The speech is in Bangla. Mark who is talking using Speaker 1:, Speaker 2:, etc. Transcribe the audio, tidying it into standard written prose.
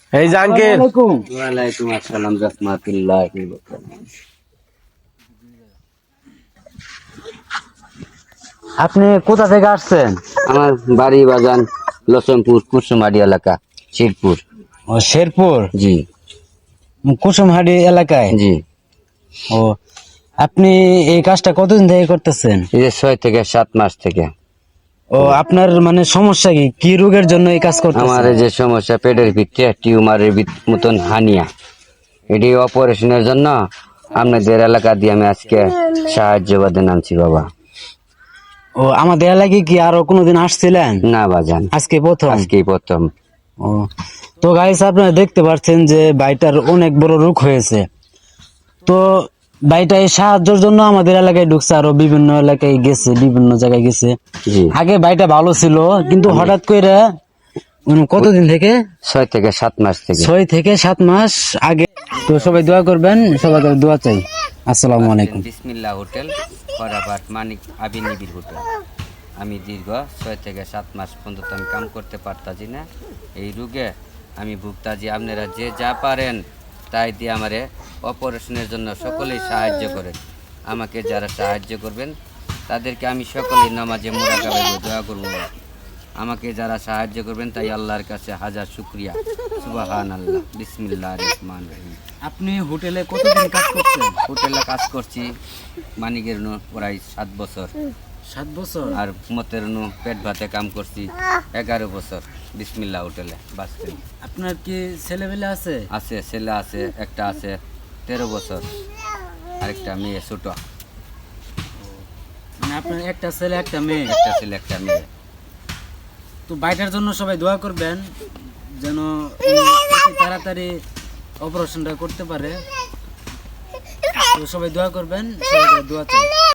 Speaker 1: এই যে আঙ্কেল,
Speaker 2: ওয়ালাইকুম আসসালাম রাহমাতুল্লাহি ওয়া বারাকাতুহু।
Speaker 3: আপনি কোথা থেকে আসছেন?
Speaker 2: আমার বাড়ি বাগান লসমপুর কুসুমারি এলাকা শিরপুর।
Speaker 3: ও, শেরপুর
Speaker 2: জি
Speaker 3: কুসুমহাটি এলাকায়।
Speaker 2: জি।
Speaker 3: ও, আপনি এই কাজটা কতদিন থেকে করতেছেন?
Speaker 2: এই যে 6 থেকে 7 মাস থেকে।
Speaker 3: ও, আপনার মানে সমস্যা কি, কি রোগের জন্য এই কাজ
Speaker 2: আমার
Speaker 3: করতেছেন?
Speaker 2: এই যে সমস্যা পেটের ভিতরে টিউমারের মতন হানিয়া, এটি অপারেশনের জন্য আপনাদের এলাকা দিয়ে আমি আজকে সাহায্য বাদে নামছি বাবা।
Speaker 3: ও, আমাদের এলাকায় কি আরো কোনোদিন আসছিলেন?
Speaker 2: না বাজান,
Speaker 3: আজকে প্রথম?
Speaker 2: আজকেই প্রথম।
Speaker 3: ও, তো গাইস আপনারা দেখতে পাচ্ছেন যে ভাইটার অনেক বড় রোগ হয়েছে। তো ভাইটা এই সাহায্যের জন্য আমাদের এলাকায় ঢুকছে, আরো বিভিন্ন এলাকায় গেছে, বিভিন্ন জায়গায় গেছে।
Speaker 2: জি।
Speaker 3: আগে ভাইটা ভালো ছিল, কিন্তু হঠাৎ করে কতদিন থেকে?
Speaker 2: 6 থেকে 7 মাস থেকে।
Speaker 3: 6 থেকে 7 মাস আগে। তো সবাই দোয়া করবেন, সবাই দোয়া চাই। আসসালামু আলাইকুম।
Speaker 2: বিসমিল্লাহ হোটেল করাবাট মানিক আবিনিবির হোটেল। আমি দীর্ঘ 6 থেকে 7 মাস পর্যন্ত আমি কাম করতে পারতাছি না, এই রোগে আমি ভুগতাছি। আপনারা যে যা পারেন তাই দিয়ে আমারে অপারেশনের জন্য সকলেই সাহায্য করেন। আমাকে যারা সাহায্য করবেন তাদেরকে আমি সকলেই নামাজে মুরাকাবে দোয়া করব। আমাকে যারা সাহায্য করবেন তাই আল্লাহর কাছে হাজার শুকরিয়া। সুবহানাল্লাহ, বিসমিল্লাহির রহমানির রহিম।
Speaker 3: আপনি হোটেলে কতদিন কাজ করছেন?
Speaker 2: হোটেলে কাজ করছি মানিকের প্রায় 7 বছর।
Speaker 3: 7 বছর।
Speaker 2: আর মতের পেট ভাতে কাম করছি 11 বছর বিসমিল্লাহ হোটেলে বাস স্ট্যান্ড।
Speaker 3: আপনার কি ছেলেবেলে আছে?
Speaker 2: আছে, ছেলে আছে, একটা আছে 13 বছর, আরেকটা মেয়ে ছোট।
Speaker 3: মানে আপনার একটা ছেলে একটা মেয়ে?
Speaker 2: একটা ছেলে একটা মেয়ে।
Speaker 3: তো বাইটার জন্য সবাই দোয়া করবেন যেন অতি তাড়াতাড়ি অপারেশনটা করতে পারে। তো সবাই দোয়া করবেন, সবাই দোয়া চাই।